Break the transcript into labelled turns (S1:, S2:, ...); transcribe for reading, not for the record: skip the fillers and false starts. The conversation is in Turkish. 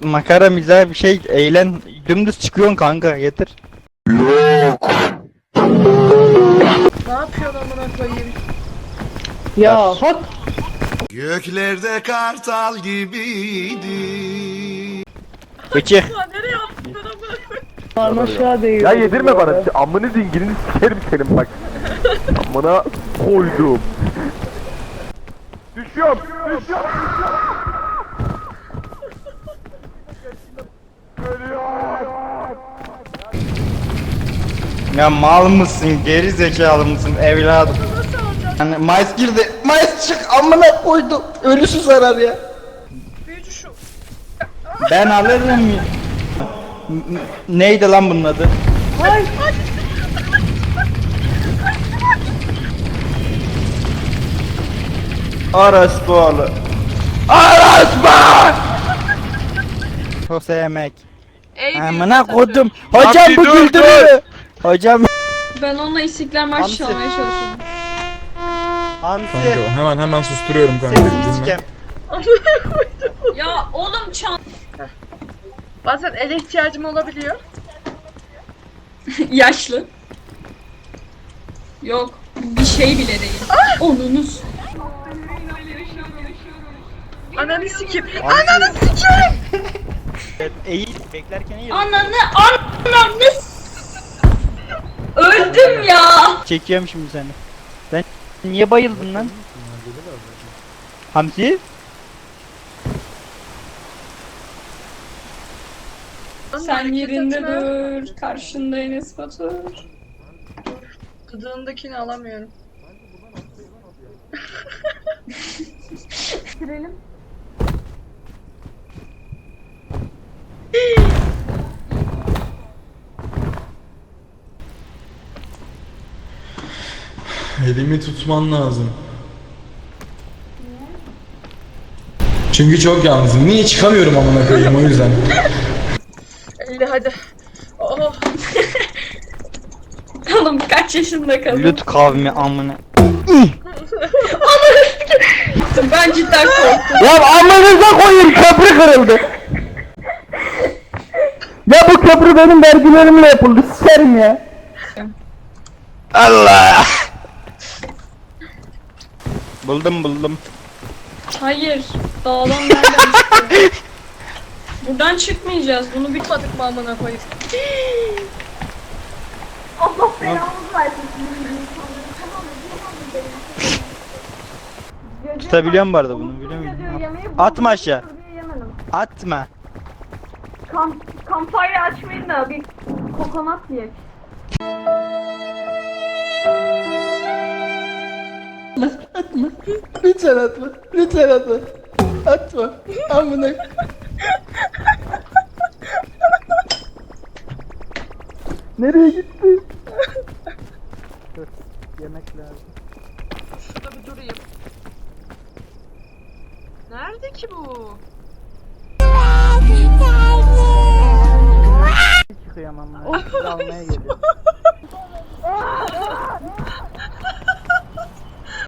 S1: makara mizah bir şey eğlen dümdüz çıkıyorsun kanka yeter.
S2: Ne yapıyorsun amına koyayım?
S3: Ya hak.
S4: Göklerde kartal gibiydi.
S1: Bıçık.
S2: Ya nereye attın amına koyayım?
S3: Aşağı değil.
S5: Ya yedirme bana. Amını zingilini sikerim senin bak. Amına koydum. Düşüyorum.
S1: Ya mal mısın geri zekalı mısın evladım? Yani Mayıs girdi. Mayıs çık amına koydu. Ölüsü zarar ya.
S2: Büyücü şu.
S1: Ben alırım ya. Neydi lan bunun adı?
S3: Hay.
S1: Orospu oğlu. Orospu! Çok sevmek.
S2: Ey
S1: Amına
S2: büyücü
S1: koydum. Hocam bu güldürüyor. Hocam.
S6: Ben onunla İstiklal Marşı
S1: Hamsi.
S6: çalmaya çalışıyorum.
S1: Hamsi.
S7: Kanka hemen susturuyorum kanka.
S1: Sesini
S7: Dinle.
S1: sikem.
S6: Ya oğlum çal...
S2: Bazen ele ihtiyacım olabiliyor.
S6: Yaşlı. Yok. Bir şey bile değil. Onunuz.
S2: Ananı sikeyim. Ananı sikeyim.
S1: Eğil. Beklerken eğil.
S6: Ananı öldüm ya.
S1: Çekiyorum şimdi seni. Sen niye bayıldın lan? Hamsi?
S6: Sen yerinde dur. Karşında Enes Batur.
S2: Gıdığındakini alamıyorum.
S7: Elimi tutman lazım. Çünkü çok yalnızım. Niye çıkamıyorum amına koyayım o yüzden.
S2: 50 hadi. Oh.
S6: Oğlum kaç yaşında kadın?
S1: Lüt kavmi amına.
S6: Ben cidden korktum.
S1: Ya amınıza koyayım köprü kırıldı. Ya bu köprü benim vergilerimle yapıldı sikerim ya. Allah. Buldum.
S6: Hayır. Dağdan nereden çıktı? Buradan çıkmayacağız. Bunu bir...
S2: Tutmadık mı amına koyayım?
S1: Tutabiliyorum bu arada bunu biliyor musun? Atma aşağı. Atma.
S8: Kampanya açmayın da bir kokonat yiyek.
S1: Lütfen atma. Lütfen atma. Atma. Amına. Nereye gitti? Dur. Yemek lazım.
S2: Şurada bir durayım. Nerede ki bu?
S1: Çıkıyorum amına. Almaya geliyorum.